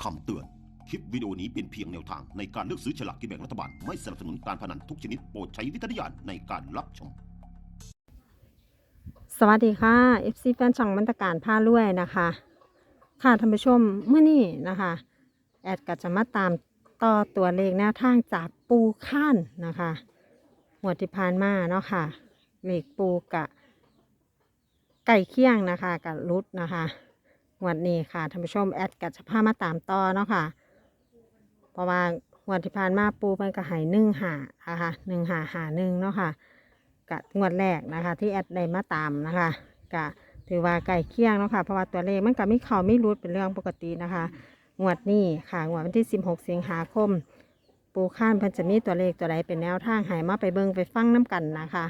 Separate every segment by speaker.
Speaker 1: คำเตือน คลิปวิดีโอนี้เป็นเพียงแนวทางในการเลือกซื้อฉลากกินแบ่งรัฐบาล ไม่สนับสนุนการพนันทุกชนิดโปรดใช้วิจารณญาณในการรับชม
Speaker 2: สวัสดีค่ะ FC แฟนช่องบรรณาการผ้ารวยนะคะค่ะท่านผู้ชมเมื่อนี้นะคะแอดก็จะมาตามต่อตัวเลขแนวทางจากปูข้านนะคะหวดที่ผ่านมาเนาะค่ะเลขปูกะไก่เคี่ยงนะคะกับรุดนะคะหวดนี้ค่ะท่านผู้ชมแอดก็จะพามาตามต่อเนาะค่ะเพราะว่าหวดที่ผ่านมาปูมันก็ใหาย1-5นะคะ1-5-1เนาะค่ะ กะงวดแรกนะคะที่แอดได้มาตามนะคะกะถือว่าไก่เคี่ยงเนาะค่ะเพราะว่าตัวเลขมันก็ไม่เข้าไม่รุดเป็นเรื่องปกตินะคะงวดนี้ค่ะงวดวันที่16 สิงหาคมปูข้านเพันจะมีตัวเลขตัวใดเป็นแนวทางใหายมาไปเบิ่งไปฟังน้ำกันนะคะ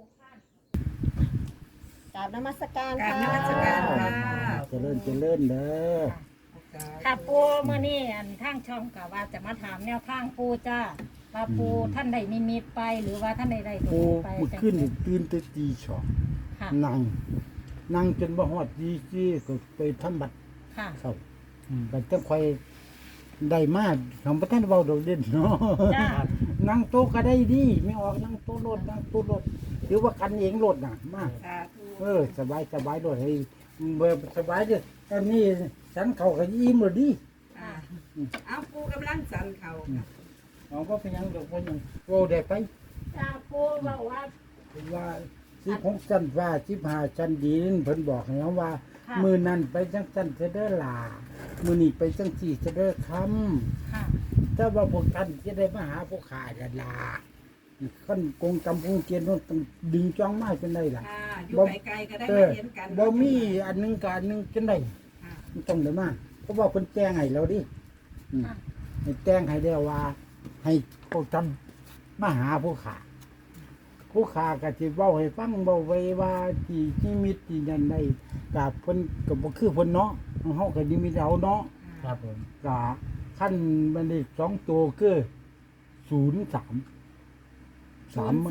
Speaker 2: กราบนมัสการ
Speaker 3: กราบ
Speaker 2: ค่ะ
Speaker 3: นมัสการค่ะ
Speaker 4: เจริญเด้อ
Speaker 3: ค่ะปูเมื่อนี้อันทางช่องกะว่าจะมาถามแนวทางปูจ้าว่าปูท่านใดนิมิตไปหรือว่าท่านใดได้ตัว
Speaker 4: ปู
Speaker 3: ไป
Speaker 4: เมื่อคืนนี่ตื่นแต่ตีสอง
Speaker 3: ค่ะ
Speaker 4: นั่งจนบ่ฮอดดีจี้ก็ไปทำบัตร
Speaker 3: ค่ะ
Speaker 4: เข้าบัตรจังค่อยได้มาทำบ่ทันเว้าดอกเด่นเนาะ
Speaker 3: จ้า
Speaker 4: นั่งโต๊ะก็ได้ดีไม่ออกนั่งโต๊ะรถนั่งโต๊ะรถหรือว่ากันเองรถน่ะมาสบายรถให้เบ่สบายเด้อตอนนี้ฉันเข้าก็อิ่มแล้วดิ
Speaker 3: ค่ะ
Speaker 5: เอาปูกำลังสั่นเขาค่ะ
Speaker 4: เอาก็เป็นหยังดอกบ่หยังโว้ได้ไป
Speaker 3: จ้าปูบอกว่า
Speaker 4: ว่า16ชั้นฟ้า15ชั้นดินเพิ่นบอกให้เราว่า
Speaker 3: ค่ะ
Speaker 4: มื้อนั้นไปจังซั่นจะเด้อล่ะมื้อนี้ไปจังซี่จะเด้อคำ
Speaker 3: ค่ะ
Speaker 4: ถ้าว่าพวกท่านจะได้มาหาพวกข้าจะล่ะคั่นกงกำกงเกียนต้องดึงจ้องมาจนได้ล่ะ
Speaker 5: ค่ะอยู่ไกลๆก็ได้
Speaker 4: เอ
Speaker 5: มา
Speaker 4: อ
Speaker 5: เห็นกัน
Speaker 4: บ่มีอันหนึงกับอันหนึงจนได้
Speaker 5: ค่ะ
Speaker 4: มันต้องได้มาเพราะว่าเพิ่นแจ้งให้เราดิให้แจ้งให้แล้วว่า ให้พวกท่านมาหาพวกข้า ผู้ขาก็สิเว้าให้ฟังเว้าไว้ว่าที่นิมิตที่นั่นได้ก็เพิ่นก็บ่คือเพิ่นเนาะเฮาก็นิมิตเอาเนาะ
Speaker 3: ครับผม
Speaker 4: ก็คันมันได้2ตัวคือ03 3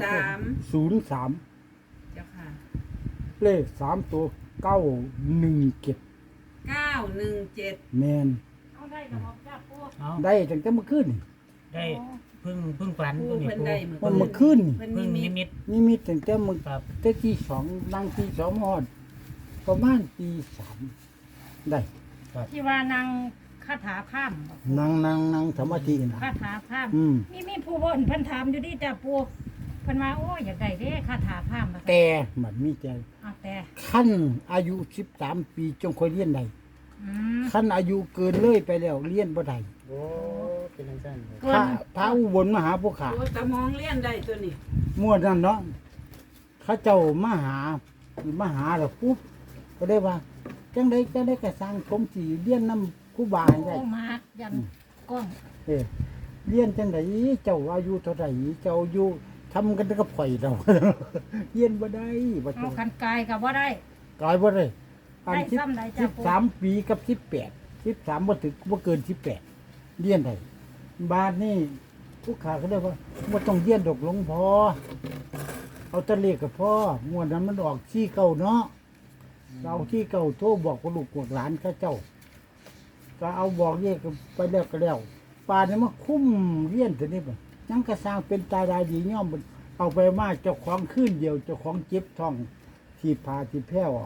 Speaker 4: 03
Speaker 5: เจ้าค่ะ
Speaker 4: เลข3ตัว917
Speaker 5: 917
Speaker 4: แม่น
Speaker 3: เอาได้กับบอกจ้าปู
Speaker 6: เอา
Speaker 4: ได้ตั้งแต่เมื่อคืนนี่
Speaker 6: ได้เพึ่งฝัน
Speaker 5: ปู
Speaker 6: ตัวนี้
Speaker 5: เพิ่น
Speaker 6: ปู
Speaker 5: ได้
Speaker 4: มันเมื่อคืนนี่
Speaker 5: เพิ่น
Speaker 6: เพึ่ง
Speaker 5: นิ
Speaker 6: นิ
Speaker 5: มิต
Speaker 6: มิต
Speaker 4: นิมิตตั้งแต่มื้อ
Speaker 6: ครับ
Speaker 4: แต่ที่2นั่งที่2ฮอดประมาณตี3ได้
Speaker 3: ที่ว่านางคาถาข้าม
Speaker 4: นั่งสมาธินะ
Speaker 3: คาถาข้าม มีผู้บนเพิ่นถามอยู่ดิจ้าปูเพิ่นว่าโอ้อยากได้เด้คาถาข้ามมา
Speaker 4: แต่มันมีแต่
Speaker 3: แต่
Speaker 4: ขั้นอายุ13 ปีจงค่อยเรียนได้
Speaker 3: อืม
Speaker 4: ขั้นอายุเกินเลยไปแล้วเรียนบ่ได้
Speaker 6: โอ้เป็นจังซั่น
Speaker 3: เกิน
Speaker 4: พระอุบลมาหาพวกข้า
Speaker 5: โอ้ตะมองเลี้ยนได้ตัวนี้
Speaker 4: มั่วนั่นเนาะเขาเจ้ามาหาแล้วปุ๊บก็ได้ว่าจังไดก็สร้างผมสิเรียนนำครูบาให้ได้
Speaker 3: โอ้มายันกล้อง
Speaker 4: เออเรียนจังไดเจ้าอายุเท่าไหร่เจ้าอายุทำกันกับข่อยเรา เรียนบ่ได้บ่
Speaker 3: เอา
Speaker 4: เจ้า
Speaker 3: คันกายกับว่าได้
Speaker 4: กลายบ่ได้อัน
Speaker 3: ได้
Speaker 4: สิบ
Speaker 3: ซ้ำใดจ้ะปู่
Speaker 4: 13 ปีกับ18บ่ถึงบ่เกิน18เรียนได้บาดนี้ผู้ขาก็ได้ว่าบ่ต้องเรียนดอกหลวงพ่อเอาแตะเลขกับพ่องวดนั้นมันออกที่เก่าเนาะเราที่เก่าโทรบอกกับลูกบอกหลานเขาเจ้า ก็เอาบอกเลขไปแล้วก็แล้วป่านนี้มาคุ้มเรียนตัวนี้บ่ยังก็สร้างเป็นตายายดีย่อมเอาไปมาเจ้าของคืนเดียวเจ้าของเจ็บท้องที่พาที่แพ้ออก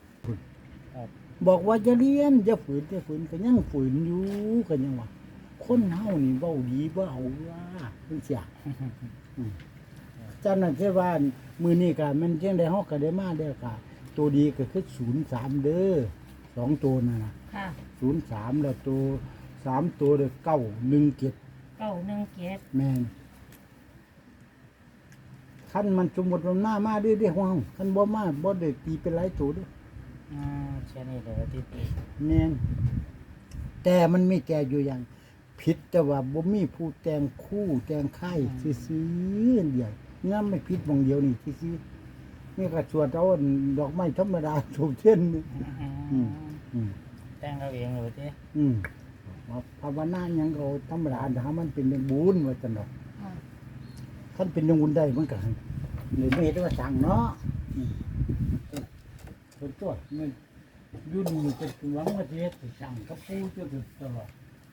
Speaker 4: บอกว่าจะเรียนจะฝืนก็ยังฝืนอยู่ก็ยังว่าคนเฮานี่เว้าดีเว้าว่าเพิ่นเสียจังนั้นคือว่ามื้อนี้ก็มันจังได้เฮาก็ได้มาแล้วก็ตัวดีก็คือ03เด้อ2ตัวนั่นน่ะ
Speaker 3: ค่ะ
Speaker 4: 03แล้วตัว3ตัวเด้อ917
Speaker 3: 917
Speaker 4: แม่นคันมันสมมุติมันมาเด้อๆฮ้องคันบ่มาบ่ได้ตีเป็นหลายตัวเด้อ
Speaker 6: แค่นี้เดี๋ยวที่ปู
Speaker 4: แม่นแต่มันมีแก่อยู่อย่างผิดแต่ว่าบ่มีผู้แต่งคู่แต่งค่ายซื่อๆเดียวงามไม่ผิดหม่องเดียวนี่ซื่อๆนี่ก็สวดเอาดอกไม้ธรรมดาถูกเช่นนี่อืม
Speaker 6: แต่งเราเองเลยที่
Speaker 4: ภาวนาหยังก็ธรรมดาถ้ามันเป็นเรื่องบุญว่าจังดอกคันเป็นเรื่องบุญได้มันก็เลยไม่เห็นว่าสั่งเนาะเป็นตัวมันอยู่นี่เป็นหวังว่าสิเฮ็ดสิสั่งกับผู้อยู่ตลอด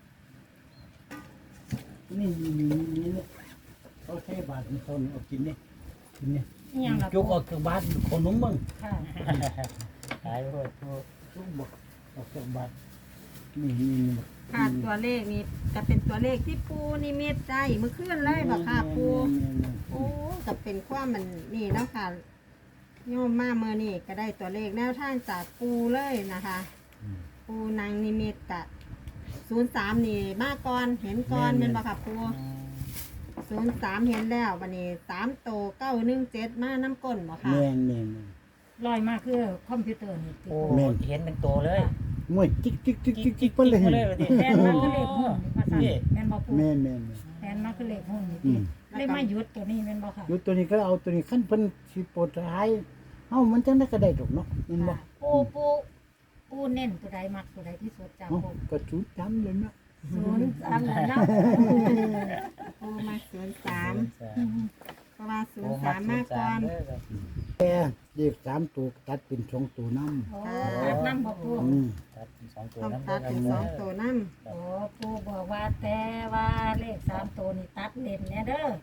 Speaker 4: นี่เนี่ยเขาใช้บาทของเขาเนี่ยเอากินเนี่ยกินเนี่ย
Speaker 3: นี่ยังละ
Speaker 4: จุ
Speaker 3: ปู
Speaker 4: กออกจากบาทขนมบ้าง
Speaker 3: ค่ะ
Speaker 6: ขายโพดปู
Speaker 4: จุกบอกออกจากบาทนี่
Speaker 2: ค่ะตัวเลขนี้จะเป็นตัวเลขที่ปูนิมิตได้เมื่อคืนเลยบ่ค่ะปูโอ้ก็เป็นความมันนี่เนาะค่ะโยมมาเมื่อนี่ก็ได้ตัวเลขแนวทางจากปูเลยนะคะ ปูนางนิมิตกะ03นี่มาก่อนเห็นก่อนเป็นบ่ค่ะปู03เห็นแล้ววันนี้3โต917มาน้ำก้นบ่ค่ะ
Speaker 4: แม่น
Speaker 3: ลอยมากคือคอมพิวเตอร์นี่ติด
Speaker 6: โอ้
Speaker 4: แม่น
Speaker 6: เห็นเป็นโตเลย
Speaker 4: มวยจิ๊กไปเลย
Speaker 6: มาเลยว่าติ
Speaker 3: แทนมาคือเลขหุ้นนี่ภาษาแม่นบ่ปู
Speaker 4: แม่น
Speaker 3: แทนมาคือเลขหุ้นนี่
Speaker 4: อื
Speaker 3: ติ
Speaker 4: ม
Speaker 3: เลขมาหยุดตัวนี้แม่นบ่ค่ะ
Speaker 4: อยู่ตัวนี้ก็เอาตัวนี้ขั้นเพิ่นสิโปรดท้ายเฮามันจังได้ก็ได้ดอกเนาะแม่นบ่
Speaker 3: ปูเน้นตัวใดมักตัวใดที่สุดจ้า
Speaker 4: เอ้า
Speaker 3: ปู
Speaker 4: ก็จุดจำเลยเนาะ
Speaker 3: 03แล้วเนาะ
Speaker 2: ปูมา03เพราะว่า03มาก่อน
Speaker 4: แต่เด็ก3ตัวตัดเป็น2ตัวนำ
Speaker 3: โอ้ตัดน้ำบ่ปู
Speaker 6: ตัดเป็นสองตัว
Speaker 2: ต้อง
Speaker 6: น้ำ
Speaker 2: ตัดเป็น
Speaker 6: เด้อ
Speaker 2: 2ตัวน้
Speaker 3: โอ้ปูบอกว่าแต่ว่าเลข3ตัวนี่ตัดเล่นแน่เด้อ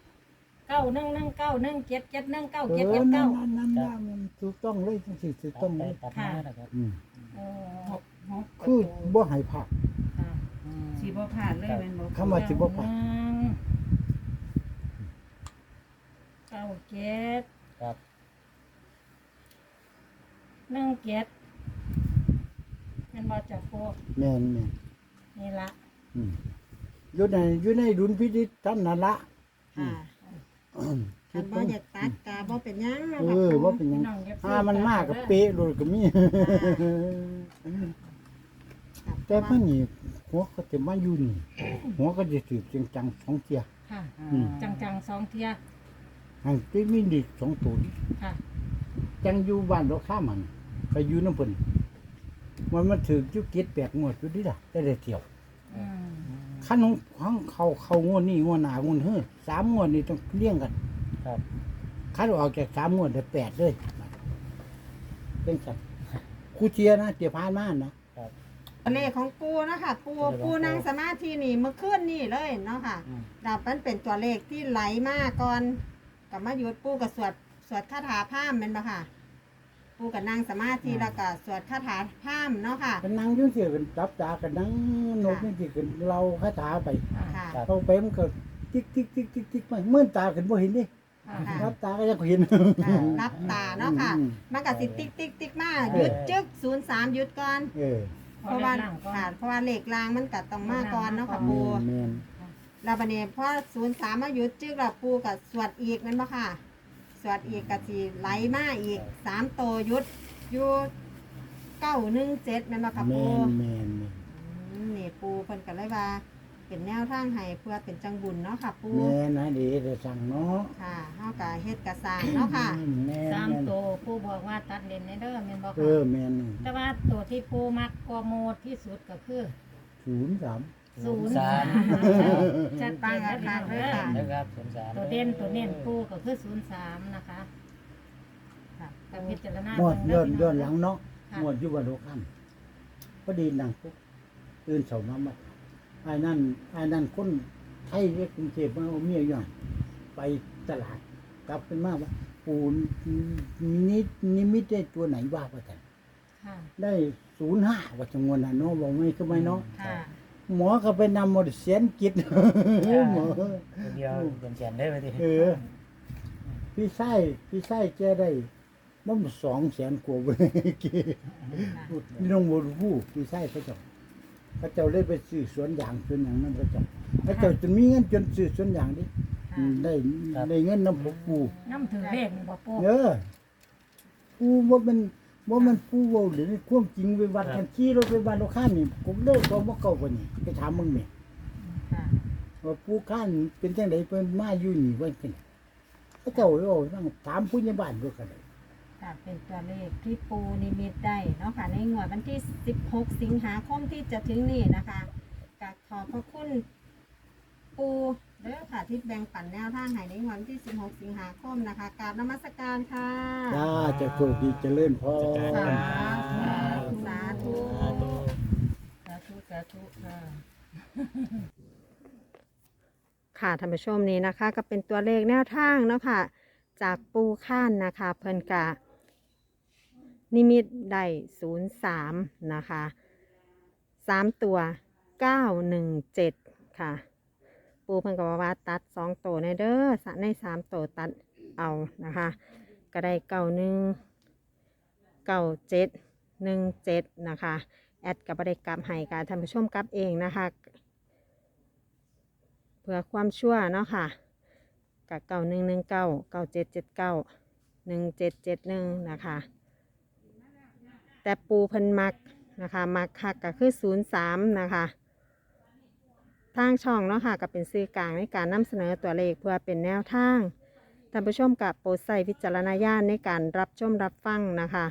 Speaker 3: 911917719779
Speaker 4: นั่นมันถูกต้องเลยจังซี่ถูก
Speaker 6: ตั
Speaker 4: ต้อ
Speaker 6: ด
Speaker 4: ง
Speaker 6: ไป
Speaker 4: เลย
Speaker 6: ตัดมานะครับ
Speaker 3: เออ
Speaker 4: คือบ่ให้พลาด
Speaker 3: ค่ะ
Speaker 5: สิบ่ผ่านเลยแม่นบ่
Speaker 4: คำว่าสิบ่พลาด
Speaker 3: 97
Speaker 6: ครับ
Speaker 3: 17แม่นบ่จับปู
Speaker 4: แม่น
Speaker 3: นี่ละ
Speaker 4: อยู่ในดุลพินิจท่านนั่นละ
Speaker 2: ำค่ะคันบ่อยากตัดกะบ่เป็นหยังเนาะ
Speaker 4: เอ
Speaker 2: ค่ะ
Speaker 4: อ
Speaker 2: ปู
Speaker 4: ว่าเป็นหยัง
Speaker 3: น้องอย่า
Speaker 4: ถ้ามันมากก็เป๊ะเลยก็มี แต่เพิ่นนี่หัวก็จะมาอยู่นี่หัวก็จะสืบจริงจังสองเที่ย
Speaker 3: ค่ะ
Speaker 4: อืม
Speaker 3: จังๆ2เที่ย
Speaker 4: หันไปมีเด็กสองตัวนี่
Speaker 3: ค่ะ
Speaker 4: จังอยู่บ้านเราข้ามมันไปอยู่น้ำเพิ่นมันถือจุกเก็ด8งวดอยู่ดิล่ะได้เที่ยว
Speaker 3: อืม
Speaker 4: คันของเขางวดนี้งวดหน้างวดเฮ้อ3งวดนี่ต้องเลี้ยงกัน
Speaker 6: ครับ
Speaker 4: คันออกจาก3งวดได้8เลยเป็นสัตว์ครูเชียร์นะเดี๋ยวพานมานะ
Speaker 2: เลขของปูเนาะค่ะปูนั่งสมาธินี่เมื่อคืนนี่เลยเนาะค่ะดับมันเป็นตัวเลขที่ไหลมาก่อนกับมาหยุดปูกับสวดคาถาพราหมณ์แม่นบ่ค่ะ ปูกับนั่งสมาธิแล้วก็สวดคาถาพราหมณ์เนาะค่ะ
Speaker 4: กันนั่งอยุ่งเสียกันจับตากันนั่งนกนี่สิกันเราคาถาไป
Speaker 2: ค่ะ
Speaker 4: เอาไปมันก็ติ๊กไปเมื่อตากันบ่เห็นดิ
Speaker 3: ค่ะ
Speaker 4: รับตาก็ยังเห็น
Speaker 2: ค่ะรับตาเนาะค่ะ มันก็สิติ๊กมาหยุดจึก03หยุดก่อน
Speaker 4: เออ
Speaker 2: เพราะว่าค่ะเพราะว่าเลขรางมันก็ต้องมาก่อนเนาะค่ะปู
Speaker 4: แม่น
Speaker 2: แล้วบัดนี้พอ03มาหยุดจึกแล้วปูก็สวดอีกแม่นบ่ค่ะ สวดอีกก็สิไหลมาอีก3โตวหยุดอยู่917แม่นบ่ค่ะปู
Speaker 4: แม่น
Speaker 2: นี่ปูเพิ่นก็เลยว่า เป็นแนวทางให้เพื่อเป็นจังบุญเนาะค่ะปู
Speaker 4: แม่นนะดีจะสั่งเนาะ
Speaker 2: ค่ะเฮาก็เฮ็ดกระสร้างเนาะค่ะ
Speaker 4: แม่น
Speaker 3: สามตัวปูบอกว่าตัดเลนในเด้อแม่นบ่
Speaker 4: เอ
Speaker 3: ค่ะ
Speaker 4: อแม่น
Speaker 3: แต่ว่าตัวที่ปูมักกว่าโมดที่สุดก็คือ
Speaker 4: 03
Speaker 3: 03จัดไปแล้วค่ะเด้อ
Speaker 6: นะครับ03
Speaker 3: ตัวเด่นตัวเน้นปูก็คือ03นะคะค่ะกับพิจารณา
Speaker 4: หมด
Speaker 3: เบิ่งเด้
Speaker 4: ย้อนหลังเนาะ
Speaker 3: ค่ะ
Speaker 4: หมดอยู่บ่โลค่ำพอดีนั่งปุ๊บตื่นเช้ามาบัดไอ้นั่นคนไทยเรียกกรุงเทพมาเอาเมียอยู่หั่นไปตลาดกลับเป็นมาว่าปูนิมิตได้ตัวไหนว่าว่าแต่น
Speaker 3: ค่ะ
Speaker 4: ได้05ว่าจังหวะนั้นเนาะบอกไม่คือไม่เนาะ
Speaker 3: ค่ะ
Speaker 4: หมอก็ไปนำหมดเสียนกิจ หมอ
Speaker 6: ตัวเดียวเป็นแสนได้ไปดิ
Speaker 4: เออพี่ไส้แกได้มัน200,000กว่าเว้ยพี่น้องบ่รู้พี่ไส้เขาเจ้าเลยไปซื้อสวนยางสวนหยังนั่นเขาเจ้าจนมีเงินจนซื้อสวนยางดิ
Speaker 3: ค่ะ
Speaker 4: ได้เงินนำปู่
Speaker 3: น้ำถือเลขนี่บ่ปู
Speaker 4: เออปู่บ่แมันปู่เว้าหรือความจริงไปวัดกันขี่รถไปบ้านเราข้ามนี่ผมเลยก็บ่เก่ากว่านี่ไปถามมึงแม่
Speaker 3: ค่ะ
Speaker 4: ว่าปู่ข้านเป็นจังได๋เพิ่นมาอยู่นี่ว่าจังเขาเจ้าเลยว่านั่งถามผู้ใหญ่บ้านด้วยกันเลย
Speaker 2: ค่ะเป็นตัวเลขที่ปูนิมิตได้เนาะค่ะในงวดวันที่16สิงหาคมที่จะถึงนี้นะคะก็ขอบพระคุณปูเด้อค่ะที่แบ่งปันแนวทางให้ในงวดวันที่16สิงหาคมนะคะกราบนมัสการค่ะ
Speaker 4: จ้าจะโชคดีเจริญพร
Speaker 2: สาธุสาธุ
Speaker 3: สาธุสาธุค่ะ
Speaker 2: ค่ะท่านผู้ชมนี้นะคะก็เป็นตัวเลขแนวทางเนาะค่ะจากปูข้านนะคะเพิ่นกะนิมิตได้03นะคะ3ตัว917ค่ะปูเพิ่นก็ว่าตัด2ตัวในเด้อใน3ตัวตัดเอานะคะก็ได้9717นะคะแอดกับบ่ได้กลับให้ค่ะท่านผู้ชมกลับเองนะคะเพื่อความชั่วเนาะค่ะกับ911997791771นะคะแต่ปูเพิ่นมักนะคะมักคักก็คือ03นะคะทางช่องเนาะค่ะก็เป็นสื่อกลางในการนำเสนอตัวเลขเพื่อเป็นแนวทางท่านผู้ชมกับโปรดใส่วิจารณญาณในการรับชมรับฟังนะคะ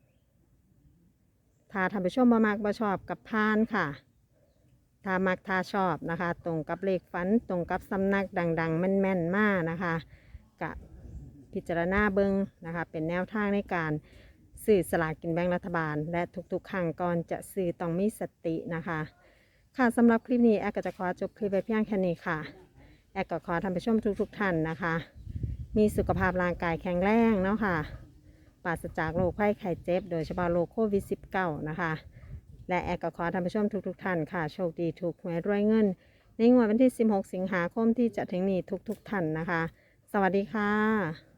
Speaker 2: ถ้าท่านผู้ชมบ่มักบ่ชอบกับพานค่ะถ้ามักถ้าชอบนะคะตรงกับเลขฝันตรงกับสำนักดังๆแม่นๆมากนะคะกับพิจารณาเบิงนะคะเป็นแนวทางในการซื้อสลากกินแบ่งรัฐบาลและทุกๆครั้งก่อนจะซื้อต้องมีสตินะคะค่ะสำหรับคลิปนี้แอดก็จะขอจบคลิปไปเพียงแค่นี้ค่ะแอดก็ขอท่านผู้ชมทุกท่านนะคะมีสุขภาพร่างกายแข็งแรงเนาะค่ะปราศจากโรคภัยไข้เจ็บโดยเฉพาะโรคโควิด -19 นะคะและแอดก็ขอท่านผู้ชมทุกท่านค่ะโชคดีถูกหวยรวยเงินในงวดวันที่16 สิงหาคมที่จะถึงนี้ทุกท่านนะคะสวัสดีค่ะ